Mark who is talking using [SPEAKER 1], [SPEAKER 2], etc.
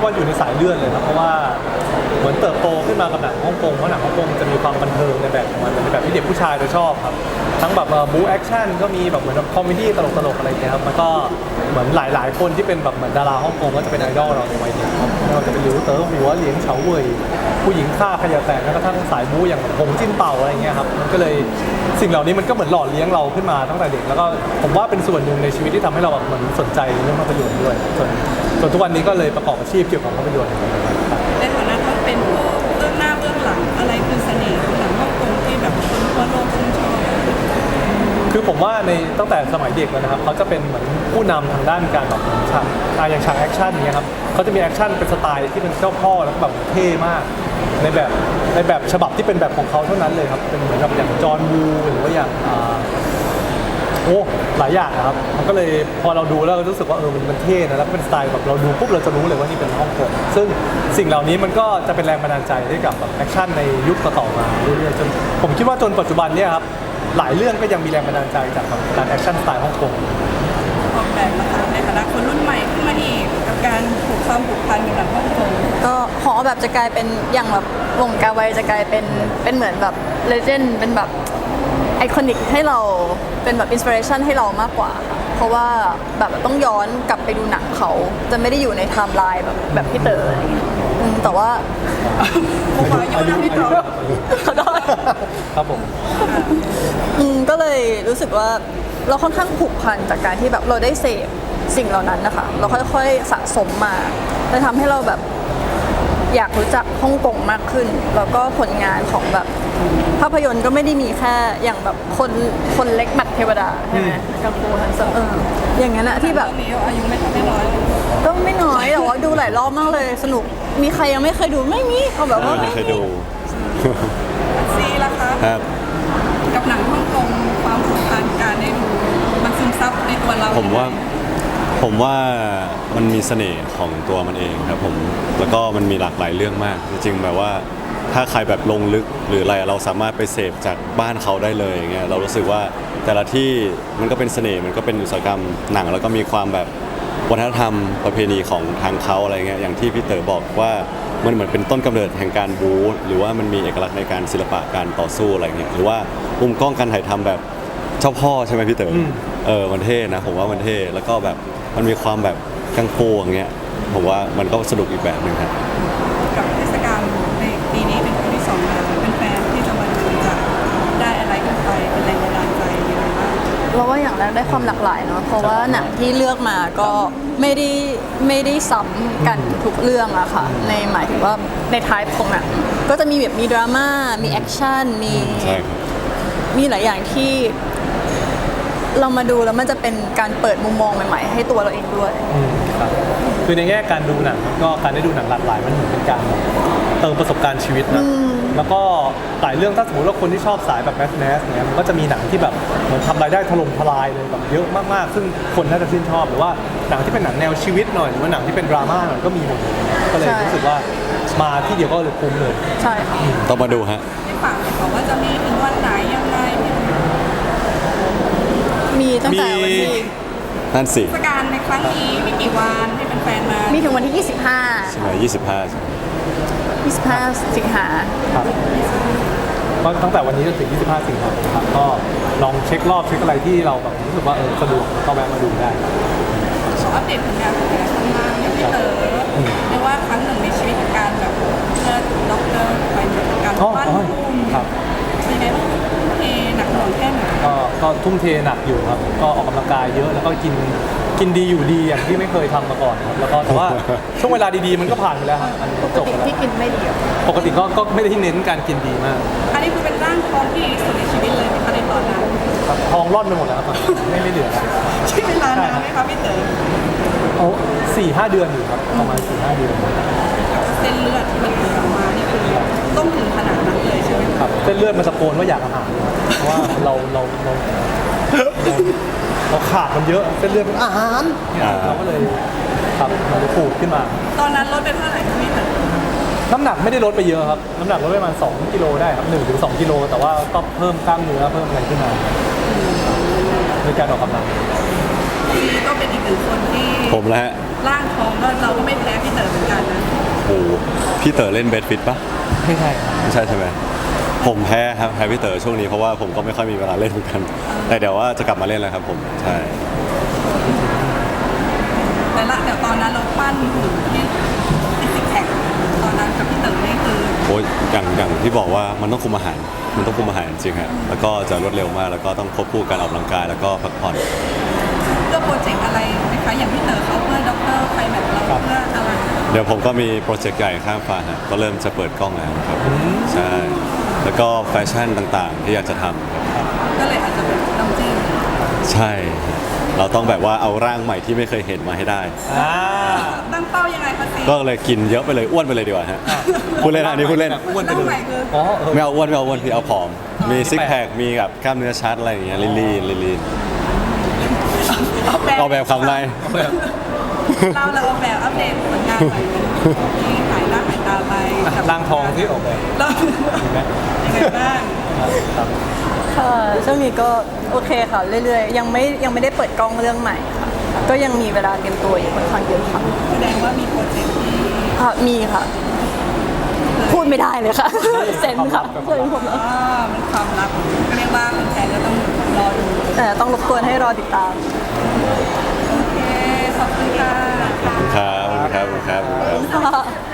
[SPEAKER 1] ว่าอยู่ในสายเลือดเลยครับเพราะว่าเหมือนเติบโตขึ้นมากับหนังฮ่องกงเพราะหนังฮ่องกงจะมีความบันเทิงในแบบของมันในแบบที่เด็กผู้ชายจะชอบครับทั้งแบบบู๊แอคชั่นก็มีแบบเหมือนคอมเมดี้ตลกๆอะไรอย่างเงี้ยครับมันก็เหมือนหลายๆคนที่เป็นแบบเหมือนดาราฮ่องกงก็จะเป็นไอดอลเราในวัยเด็กครับไม่ว่าจะเป็นหลิวเต๋อหัวเหลียงเฉาเว่ยผู้หญิงฆ่าขยะแตกแล้วก็ทั้งสายบู๊อย่างหงจิ้นเป่าอะไรเงี้ยครับมันก็เลยสิ่งเหล่านี้มันก็เหมือนหล่อเลี้ยงเราขึ้นมาตั้งแต่เด็กแล้วก็ผมว่าเป็นส่วนหนึ่งในชีวิตที่ทำให้เราแบบเหมือนสนใจเรื่องภาพยนตร์ด้วยส่วนทุกวันนี้ก็เลยประกอบอาชีพเกี่ยวกับภาพยนตร์
[SPEAKER 2] ในฐานะที่เป็นผู้เบื้องหน้าเบื้องหลังอะไรคือเสน่ห์ของหนังฮ่องกงที่แบบคนทั่วโลกชื่นชอบ
[SPEAKER 1] คือผมว่าในตั้งแต่สมัยเด็กแล้วนะครับเขาจะเป็นเหมือนผู้นำทางด้านการแบบฉากอย่างฉากแอคชั่นอย่างเงี้ยครับเขาจะมีแอคชั่นเป็นสไตล์ที่เป็นเจ้าพ่อแล้วก็แบบเท่มากในแบบฉบับที่เป็นแบบของเขาเท่านั้นเลยครับเป็นเหมือนกับอย่างจอห์นวูหรือว่าอย่างโอ้หลายอย่างนะครับมันก็เลยพอเราดูแล้วเรารู้สึกว่ามันเท่นะแล้วก็เป็นสไตล์แบบเราดูปุ๊บเราจะรู้เลยว่านี่เป็นฮ่องกงซึ่งสิ่งเหล่านี้มันก็จะเป็นแรงบันดาลใจให้กับแบบแอคชั่นในยุคต่อๆมาเรื่อยๆจนผมคิดว่าจนปัจจุบันเนี่ยครับหลายเรื่องก็ยังมีแรงบันดาลใจจากการแอคชั่นสไตล์ฮ่องกง
[SPEAKER 2] ออกแบบนะคะในฐานะคนรุ่นใหม่ขึ้นมาอีกกับการผูกความผูกพันกับหนังฮ่องกง
[SPEAKER 3] ก็หอแบบจะกลายเป็นอย่างแบบวงการไวจะกลายเป็นเหมือนแบบเลเจนด์เป็นแบบไอคอนิกให้เราเป็นแบบอินสปิเรชันให้เรามากกว่าค่ะเพราะว่าแบบต้องย้อนกลับไปดูหนังเขาจะไม่ได้อยู่ในไทม์ไลน์แบบพี่เต๋ออะไรเงี้ยแต่ว่า
[SPEAKER 2] ผมขออายุนะพี่ต่อ
[SPEAKER 3] ขอโทษ
[SPEAKER 1] ครับผม
[SPEAKER 3] ก็เลยรู้สึกว่าเราค่อนข้างผูกพันจากการที่แบบเราได้เสพสิ่งเหล่านั้นนะคะเราค่อยๆสะสมมาเลยทำให้เราแบบอยากรู้จักฮ่องกงมากขึ้นแล้วก็ผลงานของแบบภาพยนตร์ก็ไม่ได้มีแค่อย่างแบบคนเล็กหมัดเทวดาใช่ไหมกังฟูฮันเซอร์อย่างนั้นอะที่แบบ
[SPEAKER 2] มีอายุไม่ทันได้น้อย
[SPEAKER 3] ก็ไม่น้อยแต่ว่าดูหลายรอบมากเลยสนุกมีใครยังไม่เคยดูไม่มีเอาแบบว่า
[SPEAKER 4] ไม่เคยดู
[SPEAKER 2] ซีล่ะคะ
[SPEAKER 4] ครับ
[SPEAKER 2] กับหนังฮ่องกงความผูกพันการได้ดูมันซึมซับในตัวเรา
[SPEAKER 4] ผมว่ามันมีเสน่ห์ของตัวมันเองครับผมแล้วก็มันมีหลากหลายเรื่องมากจริงๆแบบว่าถ้าใครแบบลงลึกหรืออะไรเราสามารถไปเสพจากบ้านเขาได้เลยอย่างเงี้ยเรารู้สึกว่าแต่ละที่มันก็เป็นเสน่ห์มันก็เป็นอุตสาหกรรมหนังแล้วก็มีความแบบวัฒนธรรมประเพณีของทางเขาอะไรเงี้ยอย่างที่พี่เต๋อบอกว่ามันเหมือนเป็นต้นกำเนิดแห่งการบู๊หรือว่ามันมีเอกลักษณ์ในการศิลปะการต่อสู้อะไรเงี้ยหรือว่ามุมกล้องการถ่ายทำแบบเจ้าพ่อใช่ไหมพี่เต๋อมันเท่นะผมว่ามันเท่แล้วก็แบบมันมีความแบบกังฟูอย่างเงี้ยผมว่ามันก็สนุกอีกแบบหนึ่งครับ
[SPEAKER 2] กับเทศกาลในปีนี้เป็นปีที่2แล้วเป็นแฟนที่จะมาดูจะได้อะไรกันไปเป็นแรงบันดาลใจยังไงบ้าง
[SPEAKER 3] เราว่าอย่างแรกได้ความหลากหลายเนาะเพราะว่าหนังที่เลือกมาก็ไม่ได้ซ้ำกันทุกเรื่องอะค่ะในหมายถึงว่าในไทป์ของหนังก็จะมีแบบมีดราม่ามีแอคชั่นมีหลายอย่างที่เรามาดูแล้วมันจะเป็นการเปิดมุมมองใหม่ๆให้ตัวเราเองด้วย
[SPEAKER 1] ครับคือในแง่การดูหนังก็การได้ดูหนังหลากหลายมันเหมือนเป็นการเติมประสบการณ์ชีวิตนะแล้วก็หลายเรื่องถ้าสมมติว่าคนที่ชอบสายแบบแมสเนี่ยมันก็จะมีหนังที่แบบเหมือนทำรายได้ถล่มทลายเลยแบบเยอะมากๆซึ่งคนน่าจะชื่นชอบหรือว่าหนังที่เป็นหนังแนวชีวิตหน่อยหรือว่าหนังที่เป็นดราม่าหน่อยก็มีหมดเลยก็เลยรู้สึกว่ามาที่เดียวก็เลยคุ้มเลย
[SPEAKER 3] ใช่
[SPEAKER 4] ต้องมาดูฮะ
[SPEAKER 2] ที่ฝากบอกว่าจะมีถึงวันไหนยังไง
[SPEAKER 3] มีตั้งแต่วันที่
[SPEAKER 4] นั่นสิ
[SPEAKER 2] เทศกาลในครั้งนี้มีกี่วันให้แฟนๆมา
[SPEAKER 3] มีถึงวันที่
[SPEAKER 4] 25ใช่ไหม
[SPEAKER 3] 25สิงหา
[SPEAKER 1] ครับก็ตั้งแต่วันนี้จนถึง25สิงหาครับก็ลองเช็ครอบเช็คอะไรที่เราแบบรู้สึกว่าสะดวกก็แวะมาดูได้
[SPEAKER 2] ขออัปเดตผลงานของแกข้างล่างอย่างที่เต๋อเรียกว่าครั้งหนึ่งในชีวิตของการแบบเลิศด็อกเตอร์ไปจากการปั้นพุ่มเป็นไงบ้างเทหนักหน่วงแค่ไหน
[SPEAKER 1] ก็ทุ่มเทหนักอยู่ครับก็ออกกำลังกายเยอะแล้วก็กินดีอยู่ดีอย่างที่ไม่เคยทำมาก่อนครับแล้วก็แต่ว่าช่วงเวลาดีๆมันก็ผ่านไปแล้วครับมัน
[SPEAKER 3] จบแล้วที่กินไม่ดี
[SPEAKER 1] ปกติก็ไม่ได้เน้นการกินดีมาก
[SPEAKER 2] อันนี้คือเป็นร่างทองที่ดีสุดในชีวิตเลยในตอนนั้น
[SPEAKER 1] ครับทองร่อนไปหมดแล้วครับไม่เหลือแล้ว
[SPEAKER 2] ใช้เวลานานไหมครับพี่เต๋อ
[SPEAKER 1] เอา4-5 เดือนอยู่ครับประมาณ4-5 เดือน
[SPEAKER 2] เส้นเลือดที่มันออกมานี่คือต้องถึงขนาดนั้นเลยใช่ไหม
[SPEAKER 1] ครับเส้นเลือดมันตะโกนว่าอยากอาหารเพราะว่าเราขาดมันเยอะเส้นเลือดเป็นอาหารเราก็เลยครับมันเลยปูดขึ้นมา
[SPEAKER 2] ตอนนั้นลดไปเท่าไหร่ครับพี่เต๋อ
[SPEAKER 1] น้ำหนักไม่ได้ลดไปเยอะครับน้ำหนักลดไปประมาณ2 กิโลได้ครับ1-2 กิโลแต่ว่าก็เพิ่มกล้ามเนื้อเพิ่มอะไรขึ้นมาในการออกกำลัง
[SPEAKER 2] ซีก็เป็นอีกหนึ่งคนที่
[SPEAKER 4] ผมแล้วฮะ
[SPEAKER 2] ร่างทองก็เราก็ไม่แพ้พี่เต๋อเหมือนกันนะ
[SPEAKER 4] โอ้โหพี่เต๋อเล่นเบสฟิตปะ
[SPEAKER 1] ไม่ใช่
[SPEAKER 4] ไม่ใช่ใช่ไหมผมแพ้ครับแพ้พี่เต๋อช่วงนี้เพราะว่าผมก็ไม่ค่อยมีเวลาเล่นเหมือนกัน แต่เดี๋ยวว่าจะกลับมาเล่นแล้วครับผมใช่
[SPEAKER 2] แต่ตอนนั้นเราปั้นหุ่นที่ซิกแพคตอนนั้นกับพี่เต๋อนี่คือ
[SPEAKER 4] โอ้ยอย่างที่บอกว่ามันต้องคุมอาหารมันต้องคุมอาหารจริงฮะแล้วก็จะรวดเร็วมากแล้วก็ต้องควบคู่การออกกำลังกายแล้วก็พักผ่อน
[SPEAKER 2] เพื่อโปรเจกต์อะไรไหมคะอย่างพี่เต๋อเขาเพื่อด็อกเตอร์ไฟแมทเราเพื่ออะไร
[SPEAKER 4] เดี๋ยวผมก็มีโปรเจกต์ใหญ่ข้ามฟ้าฮะก็เริ่มจะเปิดกล้องแล้วครับใช่แล้วก็แฟชั่นต่างๆ ที่อยากจะทำครับ
[SPEAKER 2] ก็เลยอาจจะเป็นน้ำจิ้ม
[SPEAKER 4] ใช่เราต้องแบบว่าเอาร่างใหม่ที่ไม่เคยเห็นมาให้ได้
[SPEAKER 1] อ่า
[SPEAKER 2] ตั้งเป้ายังไงคะซี
[SPEAKER 4] ก็เลยกินเยอะไปเลยอ้วนไปเลยดีกว่าฮะพูดเล่นอันนี้พูดเล่น
[SPEAKER 1] อ้วนไป
[SPEAKER 2] ตั้ง
[SPEAKER 1] เล
[SPEAKER 2] ใหม่
[SPEAKER 1] ย
[SPEAKER 2] คือ
[SPEAKER 1] อ๋อเออ
[SPEAKER 4] ไม่เอาอ้วนไม่เอาอ้วนพี่เอาผอม มีซิกแพคมีแบบกล้ามเนื้อชัดอะไรอย่างเงี้ยลีน ออกแบบคำไร
[SPEAKER 2] เราออกแบบอัปเดตผลงานใหม่ที่หายหน้าหายตาไปกับ
[SPEAKER 1] ร่างทองที่ออกแบบ
[SPEAKER 2] เรายังไงบ้าง
[SPEAKER 1] ครับ
[SPEAKER 3] ค่ะช่วงนี้ก็โอเคค่ะเรื่อยๆยังไม่ได้เปิดกล้องเรื่องใหม่ค่ะก็ยังมีเวลาเตรียมตัวอยู่ค่อนข้างเยอะค่ะ
[SPEAKER 2] แสดงว่ามีโปรเจกต์ที่
[SPEAKER 3] มีค่ะ พูดไม่ได้เลยค่ะ เซนค่ะเซนผมแล้ว
[SPEAKER 2] มันความลับก็เรียกว่าแฟนๆก็ต้องรอดู
[SPEAKER 3] แต่ต้องรบกวนให้รอติดตาม
[SPEAKER 2] โอเคขอบคุณค่ะ
[SPEAKER 4] ครับขอบคุณครับขอบคุณครับ
[SPEAKER 3] ค่ะ